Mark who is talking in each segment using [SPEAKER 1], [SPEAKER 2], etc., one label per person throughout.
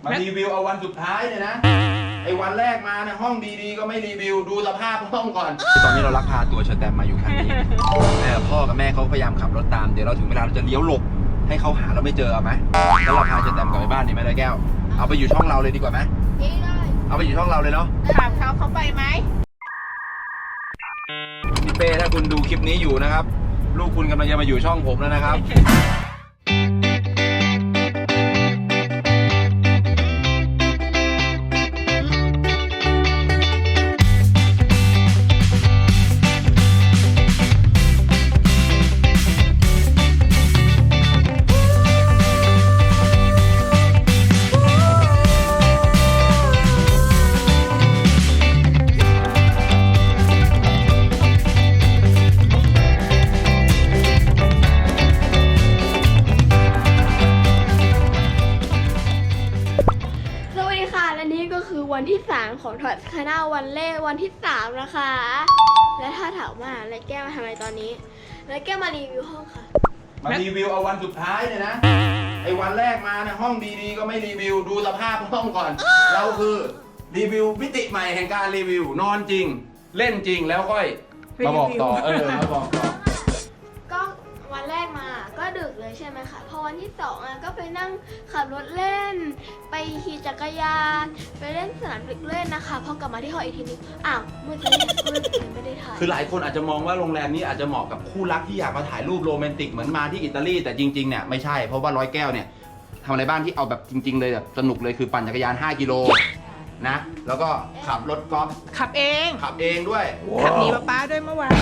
[SPEAKER 1] มารีวิวเอาวันสุดท้ายเนี่ยนะไอ้วันแรกมาเนี่ยห้องดีๆก็ไม่รีวิวดูสภาพห้องก่อนตอนนี้เราลักพาตัวเชอแตมมาอยู่คันนี้พ่อกับแม่เขาพยายามขับรถตามเดี๋ยวเราถึงเวลาเราจะเลี้ยวหลบให้เขาหาเราไม่เจอเอาไหมแล้วเราพาเชอแตมกลับไปบ้านดีไหมเลยแก้วเอาไปอยู่ช่องเราเลยดีกว่าไหมเอาไปอยู่ช่องเราเลยเนาะ
[SPEAKER 2] ถามเขาไปไหม
[SPEAKER 1] พี่เป้ถ้าคุณดูคลิปนี้อยู่นะครับลูกคุณกำลังจะมาอยู่ช่องผมแล้วนะครับ
[SPEAKER 3] วันที่3ของทอดคานาวันเล่วันที่3นะคะและถ้าถามว่าแล้วแก้วมาทำอะไรตอนนี้แล้วแก้วมารีวิวห้องค่ะ
[SPEAKER 1] มารีวิวเอาวันสุดท้ายเนี่ยนะไอ้วันแรกมาเนี่ยห้องดีๆก็ไม่รีวิวดูสภาพห้องก่อนเราคือรีวิวมิติใหม่แห่งการรีวิวนอนจริงเล่นจริงแล้วค่อยมาบอกต่อมาบอกต่อ
[SPEAKER 3] ก็วันแรกมาก็ดึกเลยใช่ไหมคะพอวันที่2ก็ไปนั่งขับรถเล่นไปขี่จักรยานไปเล่นสนามเด็กเล่นนะคะพอกลับมาที่ห้องอีกทีนึงอ้าวมืดเลยไม่ได้ถ่าย
[SPEAKER 1] คือหลายคนอาจจะมองว่าโรงแรมนี้อาจจะเหมาะกับคู่รักที่อยากมาถ่ายรูปโรแมนติกเหมือนมาที่อิตาลีแต่จริงๆเนี่ยไม่ใช่เพราะว่าร้อยแก้วเนี่ยทำอะไรบ้างที่เอาแบบจริงๆเลยแบบสนุกเลยคือปั่นจักรยาน5 กิโลนะแล้วก็ขับรถกอล์ฟ
[SPEAKER 2] ขับเอง
[SPEAKER 1] ด้วย
[SPEAKER 2] ขับหนีป้าด้วยเมื่อวาน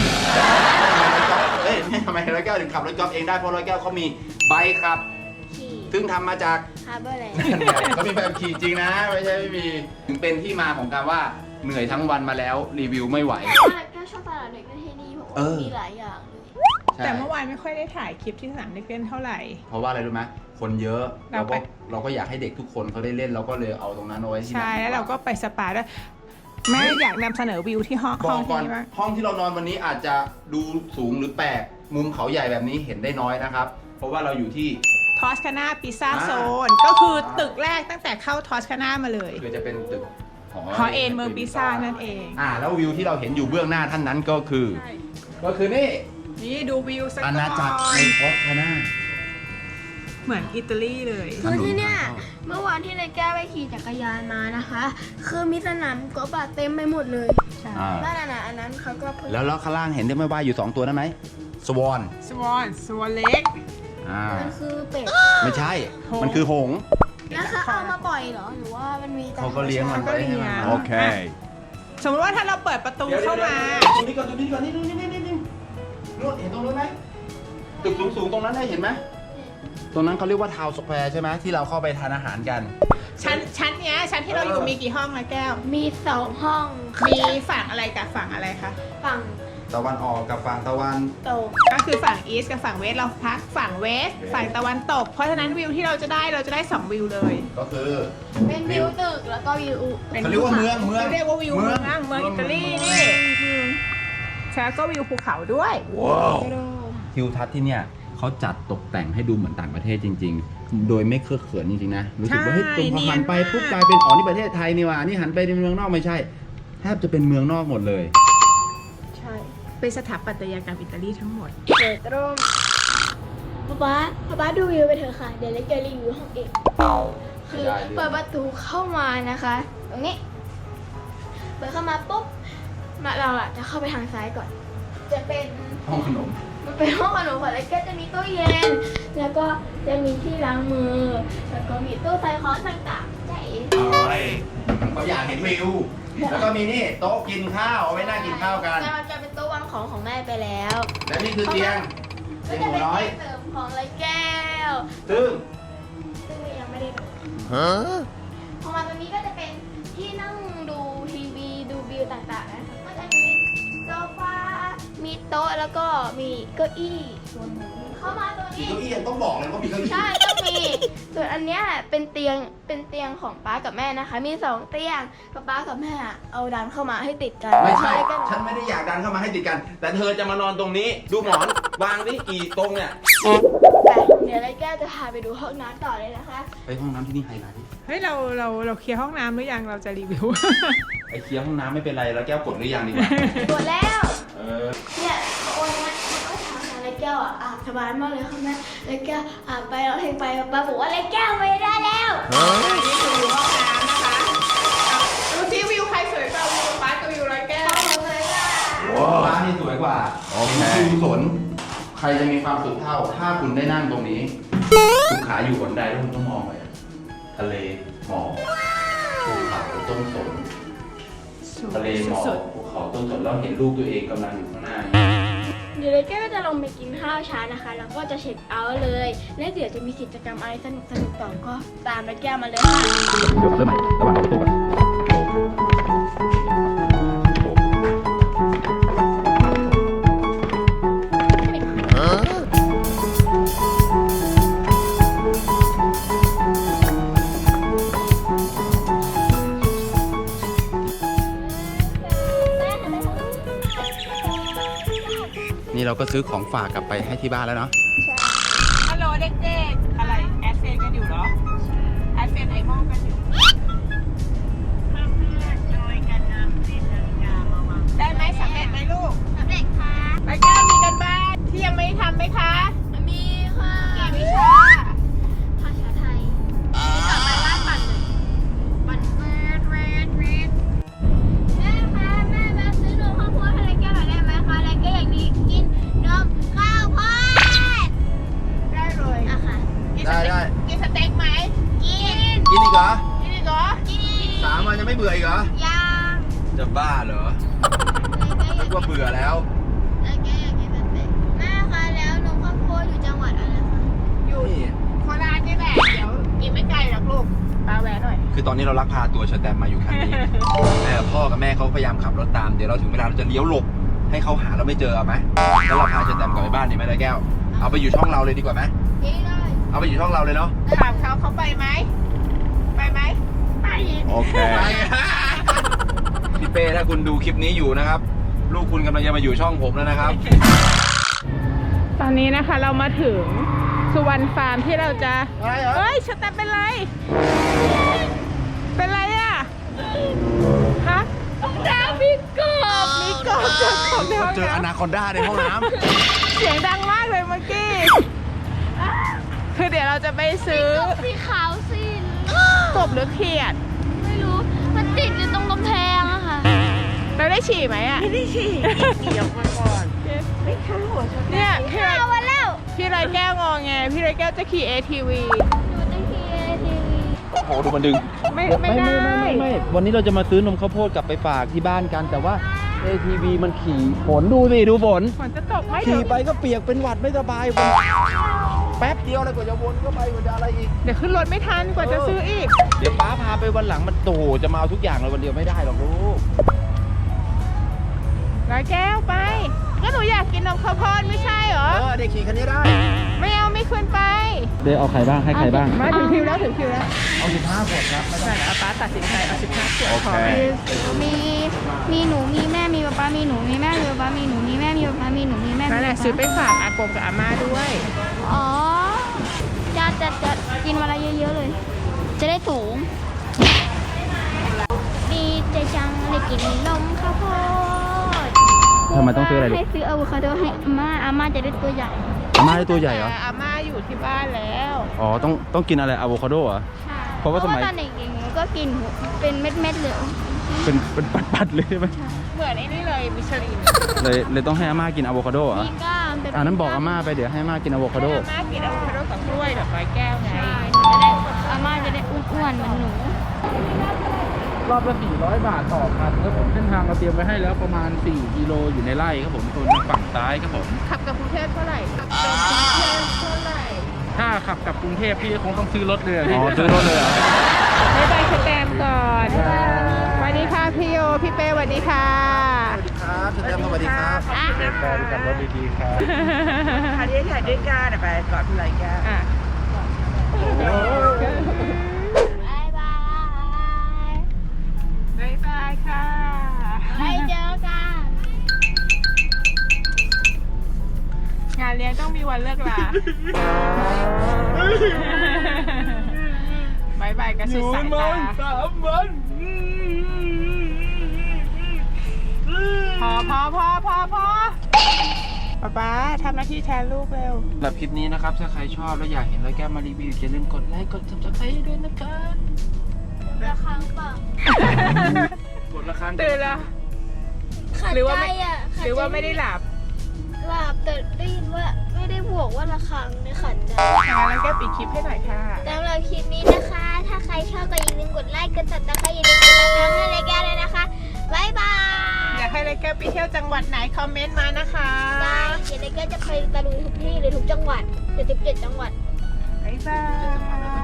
[SPEAKER 1] ทำไมร้อยแก้วถึงขับรถกอล์ฟเองได้เพราะร้อยแก้วเขามีใบขับซึ่งทำมาจาก
[SPEAKER 3] ฮาร์เบอร์แลนด์
[SPEAKER 1] เขามีแบบขี่จริงนะไม่ใช่ไม่มีถึงเป็นที่มาของการว่าเหนื่อยทั้งวันมาแล้วรีวิวไม่ไหว
[SPEAKER 3] แก้วชอบสนามเด็กเล่นที่นี่เพราะว่ามีหลายอย่าง
[SPEAKER 2] แต่เมื่อวานไม่ค่อยได้ถ่ายคลิปที่สนามเด็กเล่นเท่าไหร่
[SPEAKER 1] เพราะว่าอะไรรู้ไหมคนเยอะเราก็อยากให้เด็กทุกคนเขาได้เล่นเราก็เลยเอาตรงนั้นเอาไว้ที่
[SPEAKER 2] ใช่แล้วเราก็ไปสปาด้วยแม่อยากนำเสนอวิวที่ห้อง
[SPEAKER 1] ที่บ้างห้องที่เรานอนวันนี้อาจจะดูสูงหรือแปลกมุมเขาใหญ่แบบนี้เห็นได้น้อยนะครับเพราะว่าเราอยู่ที่
[SPEAKER 2] ทอสคานาปิซซ่าโซนก็คือตึกแรกตั้งแต่เข้าทอสคานามาเลย
[SPEAKER 1] คือจะเป็นตึก
[SPEAKER 2] หอเอ็นเมืองปิซซ่านั่นเอง
[SPEAKER 1] แล้ววิวที่เราเห็นอยู่เบื้องหน้าท่านนั้นก็คือ
[SPEAKER 2] นี่ดูวิวสัก
[SPEAKER 1] อาณาจักรในทอสคานา
[SPEAKER 2] เหมือนอิตาลีเลย
[SPEAKER 3] คือที่เนี่ยเมื่อวานที่นายแก้วไปขี่จักรยานมานะคะคือมีสนามกอล์ฟเต็มไปหมดเลยนั่นน่ะอันนั้นเขาก็
[SPEAKER 1] แล้วข้างล่างเห็นได้ไหมว่าอยู่2 ตัวนั้นไหมสวอน
[SPEAKER 2] เล็ก
[SPEAKER 3] มันคือเป็ด
[SPEAKER 1] ไม่ใช่มันคือหงส์
[SPEAKER 3] แล้วเขาเอามาปล่อยเหรอหรือว่ามันมี
[SPEAKER 1] เขาก็เลี้ยงมันไว้ให้มันโอเค
[SPEAKER 2] สมมติว่าถ้าเราเปิดประตูเข้ามา
[SPEAKER 1] ตรงนี้ก่อนนี่นู่นเห็นตรงนู้นไหมตึกสูงตรงนั้นได้เห็นไหมตรงนั้นเขาเรียกว่าทาวน์สแควร์ใช่ไหมที่เราเข้าไปทานอาหารกัน
[SPEAKER 2] ชั้นที่เราอยู่มีกี่ห้องนะแก้ว
[SPEAKER 3] มี2 ห้อง
[SPEAKER 2] มีฝั่งอะไรกับฝั่งอะไรคะ
[SPEAKER 3] ฝั่ง
[SPEAKER 1] ตะวันออกกับฝั่งตะวัน
[SPEAKER 3] ตก
[SPEAKER 2] ก็คือฝั่งอีสต์กับฝั่งเวสต์เราพักฝั่งเวสต์ฝั่งตะวันตกเพราะฉะนั้นวิวที่เราจะได้2 วิวเลย
[SPEAKER 1] ก็คือ
[SPEAKER 3] เป็นวิวตึกแล้วก็วิว
[SPEAKER 1] เขาเรียกว่าเมือง
[SPEAKER 2] เรียกว่าวิวเมืองอิตาลีนี่แล้วก็วิวภูเขาด้วย
[SPEAKER 1] ว้าวทิวทัศน์ที่เนี่ยเขาจัดตกแต่งให้ดูเหมือนต่างประเทศจริงๆโดยไม่เคอะเขินจริงๆนะรู้สึกว่าเฮ้ยตรงพอหันไปปุ๊บกลายเป็นนี่ประเทศไทยนี่ว่านี่หันไปในเมืองนอกไม่ใช่แทบจะเป็นเมืองนอกหมดเลย
[SPEAKER 2] ใช่เป็นสถาปัตยกรรมอิตาลีทั้งหมด
[SPEAKER 3] ตรงป๊าดูวิวไปเถอะค่ะเดี๋ยวเล็กจะรีวิวห้องเองคือเปิดประตูเข้ามานะคะตรงนี้เปิดเข้ามาปุ๊บเราจะเข้าไปทางซ้ายก่อนจะเป็น
[SPEAKER 1] ห้องขนม
[SPEAKER 3] มันเป็นห้องขนมค่ะแล้วก็จะมีตู้เย็นแล้วก็จะมีที่ล้างมือแล้วก็มีตู้ใส่ของต่างๆใจ
[SPEAKER 1] เขาอยากเห็นวิวแล้วก็มีนี่โต๊ะกินข้าวเอาไว้นั่งกินข้าวกัน
[SPEAKER 3] แต่มันจะเป็นโต๊ะวางของแม่ไปแล้ว
[SPEAKER 1] และนี่คือเตียง
[SPEAKER 3] หนูน้อยเสริมของไรแก้ว
[SPEAKER 1] ซึ่ง
[SPEAKER 3] ยังไม่ได้ดูพอมาตรงนี้ก็จะเป็นที่นั่งดูทีวีดูวิวต่างๆนะก็จะมีโซฟามีโต๊ะแล้วก็มีเก้าอี้เข้ามาตัวนี้
[SPEAKER 1] เก้าอี้ยังต้องบอกเลยว่ามีเก้าอี้
[SPEAKER 3] ใช่ต้องมีส่วนอันเนี้ยเป็นเตียงของป้ากับแม่นะคะมี2 เตียงป้ากับแม่เอาดันเข้ามาให้ติดกัน
[SPEAKER 1] ไม่ใช่ฉันไม่ได้อยากดันเข้ามาให้ติดกันแต่เธอจะมานอนตรงนี้ดูหมอนวางนี่กี่ตรงเนี่ย
[SPEAKER 3] เดี๋ยวไรแก้วจะพาไปดูห้องน้ำต่อเลยนะคะ
[SPEAKER 1] ไปห้องน้ำที่นี่ไฮไลท์
[SPEAKER 2] เฮ้ยเราเคลียร์ห้องน้ำหรือยังเราจะรีวิว
[SPEAKER 1] ไอเคลียร์ห้องน้ำไม่เป็นไรแล้วแก้วกดหรือยังดีกว่า
[SPEAKER 3] หมดแล้ว
[SPEAKER 1] เนี่ย
[SPEAKER 3] วันนั้นเขาก็ถามหาไรแก้วอาบสบายมากเลยค่ะแม่ไรแก้วอาบไปเราเพลงไปป้าบอกว่าไรแก้วไม่ได้แล้ว
[SPEAKER 2] นี่คือห้องน้ำนะคะดูซิวิวใครสวยกว่าวิวป้ากับวิวร้อยแก้ว
[SPEAKER 1] ร้านนี่สวยกว่าเป็นวิวสนใครจะมีความสุขเท่าถ้าคุณได้นั่งตรงนี้คุณขาอยู่บนไดแล้วคุณต้องมองไปทะเลหมอกภูเขาต้นสนทะเลหมอกภูเขาต้นสนแล้วเห็นลูกตัวเองกำลังอยู่ข้างหน้า
[SPEAKER 3] เดี๋ยวเลยแก้วก็จะลงไปกินข้าวเช้านะคะ แล้วก็จะเช็คเอาท์เลย และเดี๋ยวจะมีกิจกรรมอะไรสนุกต่อก็ตามเลยแก้วมาเลยค่ะ
[SPEAKER 1] เดี๋ยวเริ่มใหม่ระหว่างประตูก่อนนี่เราก็ซื้อของฝากกลับไปให้ที่บ้านแล้วเนาะ
[SPEAKER 2] ฮัลโหลเด็กๆอะไรแอดเฟนกันอยู่เหรอแอดเฟนไอมองกันอยู่ได้ไหมสำเร็จไหมลูก
[SPEAKER 3] สำเร็จค่ะ
[SPEAKER 2] ร้อยแก้วมีกันบ้านที่ยังไม่ได้ทำไหมคะ
[SPEAKER 3] มีค่ะ
[SPEAKER 2] กี่วิชา
[SPEAKER 3] ภาษาไทยนี่กลับไปบ้านปั่นเลยปั่นแม่คะแม่แวะซื้อนมข้าวโพดให้ไรแก้วหน่อยได้ไหมคะไรแก้วอย่างนี้กินนมข้าวโพด
[SPEAKER 2] ได้เลย
[SPEAKER 3] อะค่ะ
[SPEAKER 1] ได้
[SPEAKER 2] กินสเต็กไหม
[SPEAKER 3] กิน
[SPEAKER 1] กินอีกเหรอ
[SPEAKER 2] กินอีกเหรอ
[SPEAKER 3] กิน
[SPEAKER 1] 3 วันยังไม่เบื่ออีกเหรอ
[SPEAKER 3] ยัง
[SPEAKER 1] จะบ้าเหรอนึกว่าเบื่อแล้ว
[SPEAKER 3] ไรแก้วอยากกินสเต็กแม่คะแล้วนมข้าวโพดอยู่จังหวัดอะไรคะ
[SPEAKER 2] อยู่โคราชนี่แหละเดี๋ยวกินไม่ไกลหรอกลูกปาแวะหน่อย
[SPEAKER 1] คือตอนนี้เราลักพาตัวเชอแตมมาอยู่คันนี้ พ่อกับแม่เขาพยายามขับรถตาม เดี๋ยวเราถึงเวลาเราจะเลี้ยวหลบ ให้เขาหาเราไม่เจอเอาไหมแล้วเราพาเชอแตมกลับไปบ้านดีไหมได้แก้ว เอาไปอยู่ช่องเราเลยดีกว่าไหม
[SPEAKER 3] กินเลย
[SPEAKER 1] เอาไปอยู่ช่องเราเลยเนาะ
[SPEAKER 2] ถามเขาไปไหมไปไหมไป
[SPEAKER 1] โอเค พี่เป้ถ้าคุณดูคลิปนี้อยู่นะครับ ลูกคุณกำลังจะมาอยู่ช่องผมแล้วนะครับ
[SPEAKER 2] ตอนนี้นะคะเรามาถึงสุวรรณฟาร์มที่เราจะ
[SPEAKER 1] อะไรเหรอ
[SPEAKER 2] เฮ้ยชะตาเป็นไร เป็นไรอ่ะฮะดาวมีกบมีกบเจอกบในห้อง
[SPEAKER 1] เจออนา
[SPEAKER 2] น้ำ
[SPEAKER 1] คอนด้าในห้องน้
[SPEAKER 2] เสียงดังมากเลยเมื่อกี้ คือเดี๋ยวเราจะไปซื้อ
[SPEAKER 3] สีขาวสิ
[SPEAKER 2] กบหรือเขียด
[SPEAKER 3] ไม่รู้ มันติดอยู่ตรงกำแพงอะค่ะ
[SPEAKER 2] เราได้ฉี่ไหมอ่ะ
[SPEAKER 4] ไม่ได้ฉี่เดี๋ยวมาก่อนไม่เข้าหัวฉัน
[SPEAKER 2] เนี่ยพี่ไร
[SPEAKER 3] เอามาแล้ว
[SPEAKER 2] พี่ไรแก้วงอไงพี่ไรแก้วจะขี่ ATV
[SPEAKER 3] ดูตั้งทีทีวี
[SPEAKER 1] ำโอ้โหดูมันดึง
[SPEAKER 2] ไม่ได้
[SPEAKER 1] ไม่วันนี้เราจะมาซื้อนมข้าวโพดกลับไปฝากที่บ้านกัน แต่ว่า ATV มันขี่ฝนดูสิดูฝน
[SPEAKER 2] ฝนจะตกไหม
[SPEAKER 1] ขี่ไปก็เปียกเป็นหวัดไม่สบายฝนแป๊บเดียวเลยกว่าจะวนก็ไปกว่าจะอะไรอีก
[SPEAKER 2] เดี๋ยวขึ้นรถไม่ทันกว่าจะซื้ออีก
[SPEAKER 1] เดี๋ยวป้าพาไปวันหลังมันโตจะมาเอาทุกอย่างเลยวันเดียวไม่ได้หรอกลูก
[SPEAKER 2] ร้อยแก้วไป ก็หนูอยากกินนมข้าวโพดไม่ใช่เหรอ
[SPEAKER 1] เด็กขี่คันนี้ได้
[SPEAKER 2] ไม่เอาไม่ขึ้นไป
[SPEAKER 1] เดี๋ยวเอาใครบ้างให้ใครบ้าง
[SPEAKER 2] มาถึงคิวแล้วถึงคิวแล้ว
[SPEAKER 1] เอา15 ขวดครับ
[SPEAKER 2] ใช่แล้วป้าตัดสินใจเอา15ขวด
[SPEAKER 1] โอ
[SPEAKER 2] พ
[SPEAKER 1] เค
[SPEAKER 2] อ
[SPEAKER 3] มีหนูมีแม่มีป๊าป๊ามีหนูมีแม่มีป๊าป๊ามีหนูมีแม่มีป๊าป๊ามีหนูมีแม่มี
[SPEAKER 2] นั่นแหละซื้อไปฝากอากงกับอาม่าด้วย
[SPEAKER 3] อ๋อจะกินวันละเยอะๆเลย จะได้สูงดีใจจังได้กินนมข้าวโพด
[SPEAKER 1] ทำไมต้องซื้ออะไรลูก
[SPEAKER 3] ให้ซื้ออะโวคาโดให้อาม่าจะได้ตัวใหญ่
[SPEAKER 1] อาม่าได้ตัวใหญ่เหรอ
[SPEAKER 2] แต่อาม่าอยู่ที่บ้านแล้ว
[SPEAKER 1] อ๋อต้องกินอะไรอะโวคาโดเหรอ
[SPEAKER 3] ใช่
[SPEAKER 1] เพราะว่าสมัย
[SPEAKER 3] ตอนเด็กๆหนูก็กินเป็นเม็ดๆเลย
[SPEAKER 1] เป็นปัดๆเลยใช่ไหม
[SPEAKER 2] เหมือนไอ้นี่เลยมิชลิน
[SPEAKER 1] เลยต้องให้อาม่ากินอะโวคาโดเหรอ
[SPEAKER 3] มีก้ามเป็น
[SPEAKER 1] นั้นบอกอาม่าไปเดี๋ยวให้อาม่ากินอะโวคาโด
[SPEAKER 2] ให้อาม่ากินอะโวคาโดกับกล้วยกับร้อยแก้วไง
[SPEAKER 3] ใช่จะได้อาม่าจะได้อ้วนๆเหมือนหนู
[SPEAKER 5] รอบละ400 บาทต่อคันครับผมเส้นทางเราเตรียมไว้ให้แล้วประมาณ4กิโลอยู่ในไร่ครับผมส่วนทางฝั่งซ้ายครับผม
[SPEAKER 2] ขับกับกรุงเทพเท่าไหร่ขับกับกรุงเทพเท่าไหร่
[SPEAKER 5] ถ้าขับกลับกรุงเทพพี่คงต้องซื้อรถเลยอะพี่
[SPEAKER 1] อ๋อซื้อรถเลยเหรอ
[SPEAKER 2] บ๊ายบายสแตมก่อนสวัสดีค่ะพี่โยพี่เป้สวัสดีค่ะ
[SPEAKER 1] สวัสดีครับเชอแตมสวัสดีครับ
[SPEAKER 5] เดินทางกับรถดีๆครับ
[SPEAKER 4] อันนี้ถ่ายด้วยกันไปกอดพี่ไรแก้ว
[SPEAKER 2] อ่ะ
[SPEAKER 3] บ๊ายบาย
[SPEAKER 2] บ๊ายบายค่ะ
[SPEAKER 3] ไว้เจอกัน
[SPEAKER 2] งานเลี้ยงต้องมีวันเลิกลากันสุดสายตา
[SPEAKER 5] 3 วัน
[SPEAKER 2] พอป๊าทำหน้าที่แทนลูกเร็ว
[SPEAKER 5] สำหรับคลิปนี้นะครับถ้าใครชอบแล้วอยากเห็นร้อยแก้วมารีวิวอย่าลืมกดไลค์กด subscribe ด้วยนะครับ
[SPEAKER 3] ระฆังเปล่าก
[SPEAKER 5] ดละครั้ง
[SPEAKER 2] ตื่นแล้ว
[SPEAKER 3] ขัด
[SPEAKER 2] หรือว่า
[SPEAKER 3] ใจ
[SPEAKER 2] ไม่
[SPEAKER 3] อ่ะขัด
[SPEAKER 2] หรือว่า
[SPEAKER 3] ใจ
[SPEAKER 2] ไม่ได้หลับ
[SPEAKER 3] หลับแต่ได้ยินว่าไม่ได้บวกว่าระฆังเนี่ยขัดใจ
[SPEAKER 2] แล้วแกปิดคลิปให้หน่อยค่ะ
[SPEAKER 3] สำหรับคลิปนี้นะคะ ถ้าใครชอบก็อย่าลืมกดไลค์กดติดตามอย่าลืมกดติดตามให้รายการเลยนะคะบ๊ายบาย
[SPEAKER 2] อยากให้ไรแก้วไปเที่ยวจังหวัดไหนคอมเมนต์มานะคะ
[SPEAKER 3] ได้เดี๋ยวรายการจะไปตะลุยทุกที่เลยทุกจังหวัดเดี๋ยว17 จังหวัด
[SPEAKER 2] บ๊ายบาย